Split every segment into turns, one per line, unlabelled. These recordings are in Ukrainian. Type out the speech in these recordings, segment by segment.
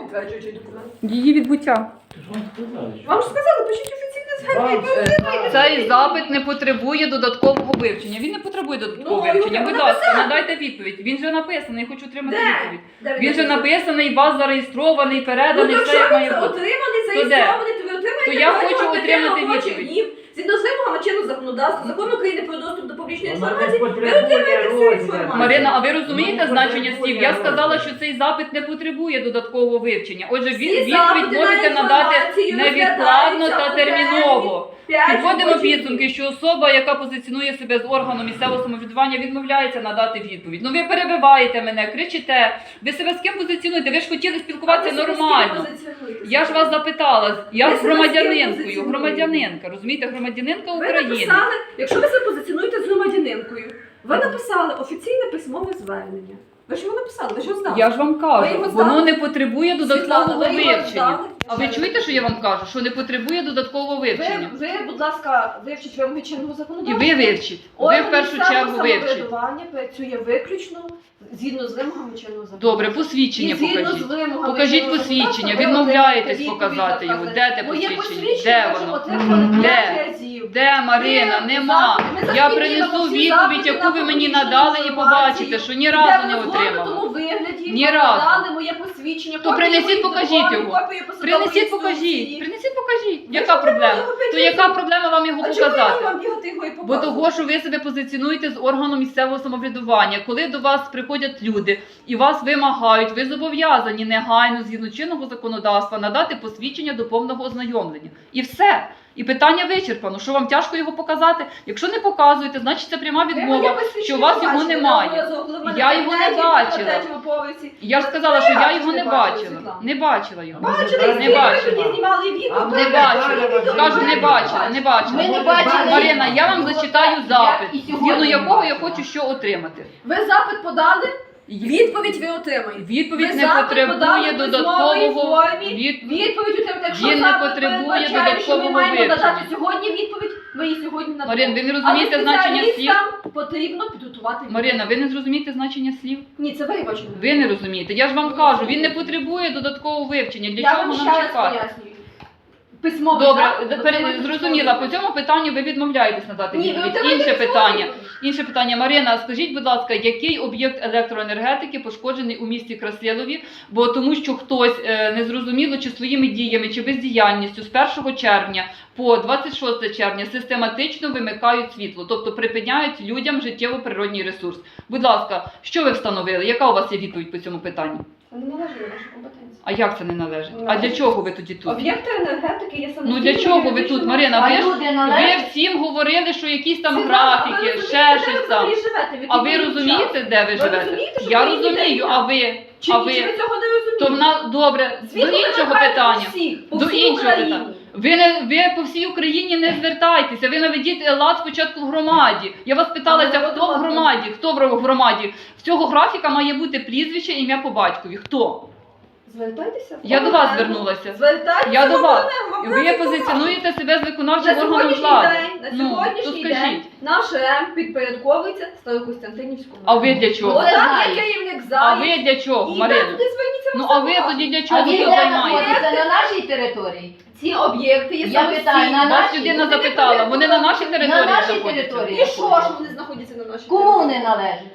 підтверджуючий документ?
Її відбуття.
Вам ж сказали, пишіть офіційне звернення.
Цей запит не потребує додаткового вивчення. Він не потребує додаткового
Ну,
вивчення.
його
Будь ласка, надайте відповідь. Він же написаний, я хочу отримати
Де?
відповідь.
Де
Він же написаний, у вас зареєстрований, переданий,
Ну,
все як має
якщо ви
бути.
отриманий,
То де?
зареєстрований, то ви отримаєте
То я
протягом
хочу
5
отримати
робочих
відповідь.
днів. Згідно з вимогами чинного законодавства, Закону України про доступ до публічної
Вона
інформації,
не
ви
потребує
отримаєте всю
розгляду.
інформацію.
Марина, а ви розумієте
Ну,
значення
потребує
слів? Я сказала,
розгляду.
що цей запит не потребує додаткового вивчення. Отже,
Всі
відповідь
запити на
можете надати
інформацію
невідкладно
розглядаються
та
у
терміново.
5
Підводимо
робочих
підсумки,
днів.
що особа, яка позиціонує себе з органу місцевого самоврядування, відмовляється надати відповідь. Ну ви перебиваєте мене, кричите. Ви себе з ким позиціонуєте? Ви ж хотіли спілкуватися
А ви себе з ким
нормально.
позиціонуєте?
Я ж вас запитала. Я
Ви
з
себе з ким
громадянинкою.
позиціонуєте?
Громадянинка, розумієте, громадянинка
Ви
України.
написали, якщо ви себе позиціонуєте з громадянинкою, ви написали офіційне письмове звернення. Ви ж його написали, ви ж його здали.
Я ж вам
Ви
кажу,
його
воно
здали?
не потребує додаткового
Світлана, ви його
вивчення.
здали?
А ви чуєте, що я вам кажу? Що не потребує додаткового вивчення.
Ви, будь ласка, вивчіть вимоги чинного
І
законодавства.
ви вивчіть. Ви
Орган
в першу
місцевого
чергу вивчіть.
самоврядування працює виключно згідно з вимогами чинного законодавства.
Добре, посвідчення
І згідно
покажіть.
з вимогами
Покажіть
чинного
посвідчення.
законодавства,
Відмовляєтесь
ви
показати його.
отримаєте
Де те
відповідь. Моє
посвідчення? Де
ми вже
воно?
отримали
Де?
5 разів.
Де, Марина?
Ми
Нема.
запити, ми
Я
закріпимо
принесу
всі
відповідь,
запити
яку
на
ви мені
публічну
надали, і
інформацію.
побачите, що ні разу не
Де в
отримала.
розгорнутому вигляді
Ні
вам
разу.
надали моє посвідчення.
То
копію
принесіть,
моїх
покажіть
дипломів,
його.
копію посадової
Принесіть, покажіть.
інструкції.
Принесіть, покажіть.
Ви
Яка
ж
проблема?
отримали його
То
5
яка
разів.
проблема вам його
А чому
показати?
я вам бігати його і
Бо
показувати?
того, що ви себе позиціонуєте з органу місцевого самоврядування. Коли до вас приходять люди і вас вимагають, ви зобов'язані негайно, згідно чинного законодавства, надати посвідчення до повного ознайомлення. І все. І питання вичерпано. Що вам тяжко його показати? Якщо не показуєте, значить це пряма
Ви моє
відмова,
посвідчення
що у вас його
бачили,
немає.
неодноразово, коли в мене
Я
в
його не
кабінеті,
бачила.
на 3-му поверсі.
Я ж сказала, що я його не
бачила,
бачила.
Світлана.
Не бачила його.
Бачили,
Не
ви
бачила.
тоді знімали відео.
Не
ви
бачила.
відео,
Кажу,
ви
не бачила, не бачила.
Ми не бачили.
Марина, я вам зачитаю запит,
І сьогодні
згідно якого я
бачила.
хочу що отримати.
Ви запит подали, відповідь ви отримаєте.
Відповідь
Ви
не
запит
потребує
подали в письмовій
додаткового
формі. Відповідь отримаєте. Якщо
Він не
запит
потребує
передбачає, що ми
додаткового
маємо
вивчення.
надати сьогодні відповідь, ми її сьогодні надамо.
Марин, ви не розумієте
Але
значення слів?
спеціалістам потрібно підготувати відповідь.
Марина, ви не зрозумієте значення слів?
Ні, це ви бачите.
Ви не розумієте. Я ж вам кажу, він не потребує додаткового вивчення. Для
Я
чого
вам ще
нам
раз
чекати?
пояснюю. Письмовий
Добре,
запит отримати
зрозуміла. По
письмовий.
цьому питанню ви відмовляєтесь надати
Ні, ви
відповідь.
отримаєте
Інше
письмову
питання.
відповідь.
Інше питання. Марина, скажіть, будь ласка, який об'єкт електроенергетики пошкоджений у місті Красилові? Бо тому, що хтось незрозуміло чи своїми діями, чи бездіяльністю з 1 червня по 26 червня систематично вимикають світло, тобто припиняють людям життєво-природній ресурс. Будь ласка, що ви встановили? Яка у вас є відповідь по цьому питанню?
Це не належить до нашої компетенції.
А як це не належить? А
Належить.
для чого ви тоді тут?
Об'єкти енергетики є самостійними.
Ну для чого ви тут, Марина?
А
Ви ж
люди
ви
належать.
всім говорили, що якісь там
Світлана,
графіки,
ви
ще
розумієте,
щось
де
там.
ви взагалі живете? В
А
який
ви
час?
розумієте, де ви
Ви
живете?
розумієте, що
Я
ви їдете
розумію,
дня?
а ви?
Чи,
А
чи
ви?
ви цього не розумієте?
То в нас добре, до
Світло
іншого
вимикають
питання.
по всіх, по
До
всій
іншого
Україні.
питання. Ви по всій Україні не звертайтеся, ви наведіть лад спочатку в громаді. Я вас питалася, хто в громаді, хто в громаді. В цього графіка має бути прізвище, ім'я по батькові. Хто?
Звертайтеся.
Я до вас звернулася.
Звертайтеся.
Я до вас.
Вам
Ви
просто
позиціонуєте себе з
на
виконавчим органом
сьогоднішній
влади.
день, на
Ну, то
сьогоднішній
скажіть.
день наш РЕМ підпорядковується Старокостянтинівському.
А ви для чого?
Бо там
знаєш.
є керівник
А
залі.
ви для чого,
І
Марина?
ви туди зверніться.
Ну
вам
а ви
скажуть.
тоді для
А
чого
він
тут
де
займаєтеся?
знаходиться? На нашій території?
Ці об'єкти є
Я питаю, на
самостійні.
Вас
нашій?
людина
Вони
запитала, вони на нашій
На
території
нашій
знаходяться?
території.
І що ж вони знаходяться на нашій
Кому
території?
не належить?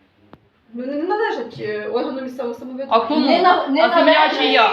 Вони не належать органу місцевого
А
самоврядування.
кому?
Не
А земля
належить.
чия?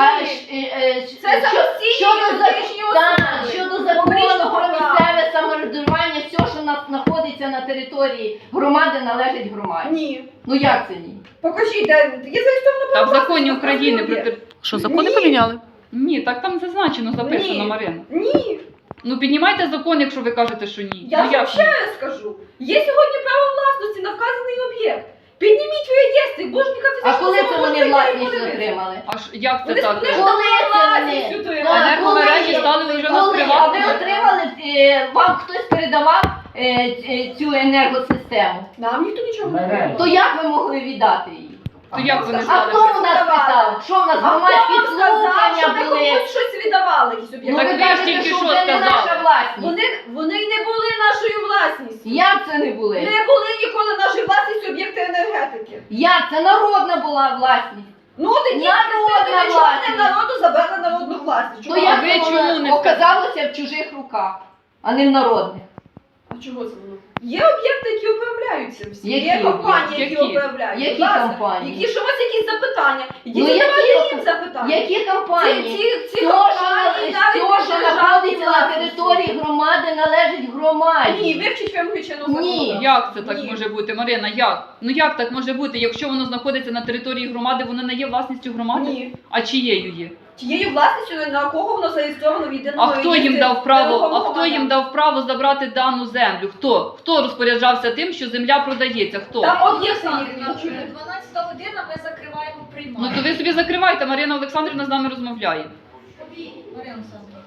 Це самостійні
щодо
юридичні
Так,
особи.
щодо закону
Публічного
про
права.
місцеве самоврядування, все, що знаходиться на території громади, належить громаді.
Ні.
Ну як це ні?
Покажіть, де є зареєстровано
Та в
право
законі
власності,
України
є.
про тер-
Що, закони
Ні.
поміняли?
Ні, так там зазначено, записано,
Ні.
Марина.
Ні.
Ну піднімайте закон, якщо ви кажете, що ні.
Я
Ну,
вам
як
ще
ні?
раз скажу. Є сьогодні право власності на вказаний об'єкт. Підніміть в реєстрі, божника
А
фізичного
коли це вони власність
отримали?
отримали?
Аж як це
Вони
так?
вони ж
Коли
давали
це вони?
власність отримали.
Так,
Енергомережі
коли?
стали вже у нас
Коли? А ви
приватними.
отримали, вам хтось передавав цю енергосистему?
Нам ніхто нічого не
Мережі.
передав.
То як ви могли віддати її?
То як вони
А
стали?
хто у нас питав? Що у нас
А хто
громадські
вам сказав, що
слухання
ви
були?
комусь щось віддавали, якісь
Ну
об'єкти?
Так
ви
ви ж
кажете,
тільки
що
що
це не
сказали.
наша власність.
Вони не були нашою власністю.
Як це не були?
Не були ніколи нашою власністю об'єкти енергетики.
Як це народна була власність?
Ну, тоді
Народна
ви до чого не власність.
Ну
Чого?
як
ви
це
чому
воно
не
оказалося в чужих руках, а не в народних?
А чого це воно? Є об'єкти, які управляються всі.
Які
Є компанії, які
об'єкти?
управляють.
Які
Будь ласка,
компанії?
Які ж у вас якісь запитання? Ідіть
Ну,
задавайте
які?
їм запитання.
Які компанії?
Ці
Все,
компанії навіть
що
не
знаходиться на
державні
території громади, належить громаді.
Ні, вивчіть вимоги чинного
Ні.
законодавства.
Як це так
Ні.
може бути, Марина? Як? Ну як так може бути? Якщо воно знаходиться на території громади, воно не є власністю громади?
Ні.
А чиєю є?
Тією власністю, на кого воно зареєстровано в єдиному
А хто їм
реєстрі
дав право? А
нерухомого
хто їм
майна?
дав право забрати дану землю? Хто? Хто розпоряджався тим, що земля продається? Хто?
Там об'єкти
Так,
їхні.
12 година ми закриваємо
Ну
приймальню.
то ви собі закривайте, Марина Олександрівна з нами розмовляє.
Марина Олександрівна.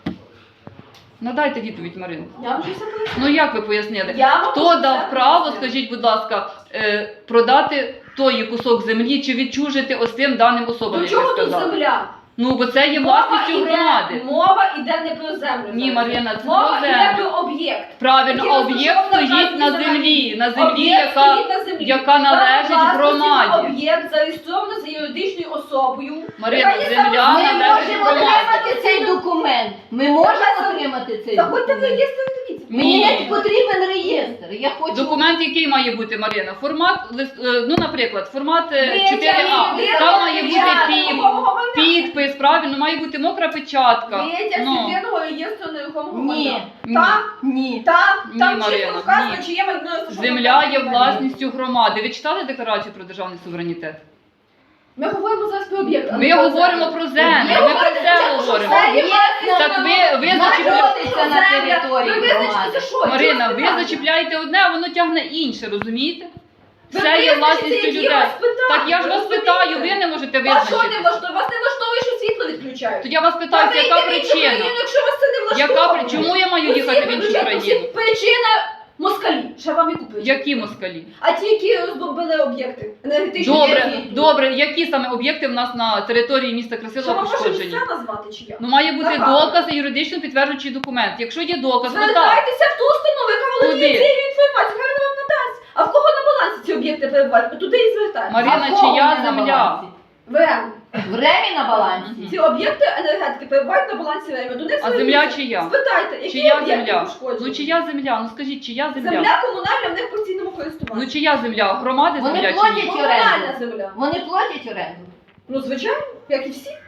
Надайте відповідь, Марину.
Я вже все пояснила.
Ну як ви пояснили?
Я вам
Хто
все
дав право,
пояснила.
скажіть, будь ласка, продати той кусок землі чи відчужити ось тим даним особам,
До
як
чого
ви
тут
сказали?
земля?
Ну, бо це є власністю громади.
Мова іде не про землю.
Ні,
зараз.
Мар'яна, це
мова
про
іде
землю.
про об'єкт.
Правильно,
Який
а об'єкт
розташований
стоїть на
на
землі, на землі,
Об'єкт
яка,
стоїть на землі.
яка належить
Право власності на
громаді.
Об'єкт зареєстровано за юридичною особою.
Марина,
яка є
земля
Ми
належить
можемо
громаді.
отримати цей документ. Ми можемо отримати цей
Заходьте в
документ.
реєстр і дивіться.
Мені
Ні.
не потрібен реєстр. Я хочу.
Документ, який має бути, Марина? Формат, ну, наприклад, формат 4А.
Витяг
Там має бути
нерухомого майна.
підпис, правильно, має бути мокра печатка.
Витяг з
Ну,
єдиного реєстру нерухомого
Ні.
майна.
ні.
Там,
Ні.
там
Ні,
чітко
Марина,
вказано,
ні.
чи є майно розташоване
Земля
на
є
землі.
власністю громади. Ви читали декларацію про державний суверенітет?
Ми говоримо зараз про об'єкт. а
Ми
не про
говоримо
землю.
про землю,
Ви
ми про
говорите
це
спочатку, що
говоримо.
все є
Так ви
знаходиться на
земля.
території
Ви визначите,
громади.
що?
Марина,
Чого
ви
питання?
зачіпляєте одне, а воно тягне інше, розумієте?
Ви
Все є
визначите,
власністю
які
людей.
у вас питання,
Так я ж
ви
вас
розумієте?
питаю, ви не можете
А що не
визначити.
влаштовує? Вас не влаштовує, що світло відключають?
То я вас питаю,
Та ви
яка
йдіть в іншу
причина?
країну, якщо вас це не влаштовує.
Чому я маю їхати в іншу країну?
Причина москалі. Ще вам яку причину?
Які москалі?
А ті, які розбомбили об'єкти енергетичні.
Добре,
які?
добре, які саме об'єкти в нас на території міста
Що
Красилова
вам може
пошкоджені?
місця назвати чи як?
Ну має бути
Ага.
доказ і юридично підтверджуючий документ. Якщо є доказ, ну так.
Звертайтеся в ту установу, яка володіє
Куди?
цією інформацією, хай вона вам надасть. А в кого на балансі ці об'єкти перебувають? Ви туди і звертайтеся.
Марина,
А в кого
чия
вони на
земля?
балансі?
ВМ.
В ремі на балансі.
Ці об'єкти енергетики перебувають на балансі ВМ. До них
А земля чия?
Спитайте, які
Чия
об'єкти
земля?
пошкоджені?
Ну чия земля? Ну скажіть, чия земля?
Земля комунальна в них в постійному користуванні.
Ну чия земля? Громади
Вони
земля чи
платять
ні?
Комунальна земля.
Вони платять оренду.
Ну, звичайно, як і всі.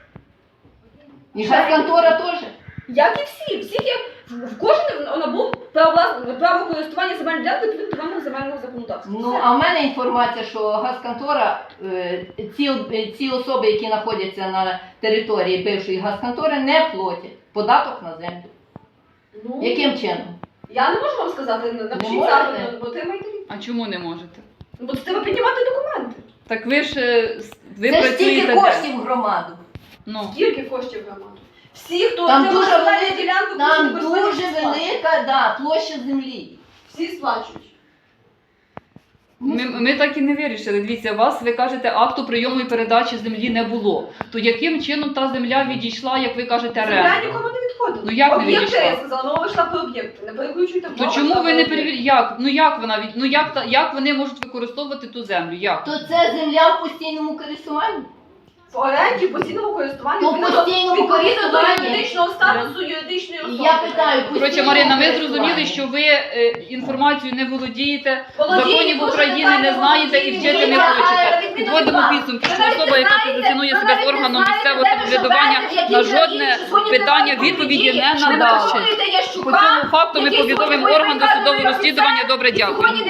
І газконтора теж.
Як і всі. Всіх є, в кожен набув право користування земельною ділянкою відповідно до вимог земельного законодавства.
Ну,
Все.
а в мене інформація, що газконтора, ці особи, які знаходяться на території бившої газконтори, не платять податок на землю.
Ну,
Яким чином?
я не можу вам сказати, напишіть
можете?
запит, бо отримайте відповідь.
А чому не можете?
Бо це треба піднімати документи.
Так ви ж ви
Це ж
працюєте
стільки
де?
коштів в громаду.
Ну.
Скільки коштів громаду? Всі, хто
Там
отримав
дуже
земельну
велика-
ділянку,
Там
всі користування,
дуже
всі сплачують.
велика площа землі.
Всі сплачують.
Ми так і не вирішили. Дивіться, вас, ви кажете, акту прийому і передачі землі не було. То яким чином та земля відійшла, як ви кажете,
Земля
реально?
нікому не відходила.
Ну, як не
Об'єкти,
відійшла?
я сказала, мова йшла про об'єкти. Не переключуйте
То
мову,
чому
йшла
ви
про
не
об'єкти.
перевіряєте? Як? Ну як вона від... Ну як вони можуть використовувати ту землю? Як?
То це земля в постійному користуванні?
В оренді, постійному користуванні,
То постійному
відповідно до
користуванні.
юридичного статусу юридичної особи.
Я питаю,
Коротше, Марина, ми зрозуміли, що ви інформацією не володієте, законів України не знаєте і вчити не хочете. Підводимо підсумки, що особа, яка позиціонує себе з органом місцевого самоврядування, на жодне питання відповіді не надала. По цьому факту ми повідомимо орган досудового розслідування. Добре, дякую.